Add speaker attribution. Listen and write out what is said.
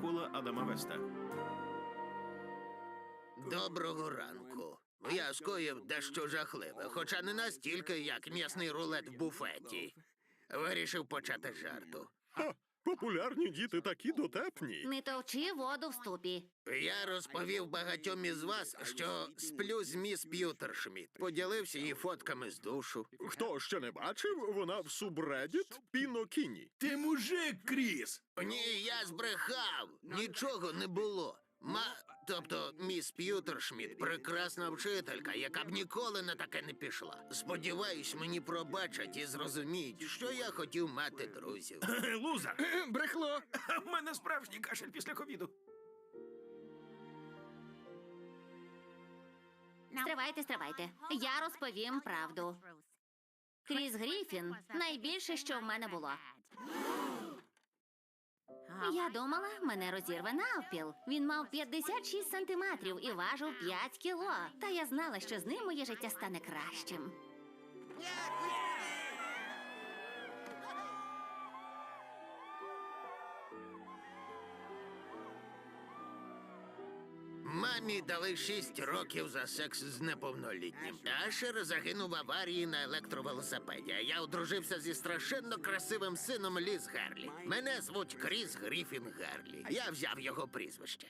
Speaker 1: Пола Адама Веста.
Speaker 2: Доброго ранку. Я скоїв дещо жахливе, хоча не настільки, як м'ясний рулет в буфеті. Вирішив почати з жарту.
Speaker 3: Популярні діти такі дотепні.
Speaker 4: Не товчи воду в ступі.
Speaker 2: Я розповів багатьом із вас, що сплю з міс П'ютершміт. Поділився її фотками з душу.
Speaker 3: Хто ще не бачив, вона в субреддіт Пінокіні.
Speaker 1: Ти мужик, Кріс!
Speaker 2: Ні, я збрехав. Нічого не було. Тобто, міс П'ютершміт – прекрасна вчителька, яка б ніколи на таке не пішла. Сподіваюсь, мені пробачать і зрозуміють, що я хотів мати друзів.
Speaker 1: Лузер! Брехло! В мене справжній кашель після ковіду.
Speaker 4: Стривайте. Я розповім правду. Кріс Гріфін – найбільше, що в мене було. Я думала, мене розірве навпіл. Він мав 56 сантиметрів і важив 5 кіло. Та я знала, що з ним моє життя стане кращим.
Speaker 2: Мамі дали 6 років за секс з неповнолітнім. Ашер загинув в аварії на електровелосипеді, а я одружився зі страшенно красивим сином Ліз Гарлі. Мене звуть Кріс Гріфін Гарлі. Я взяв його прізвище.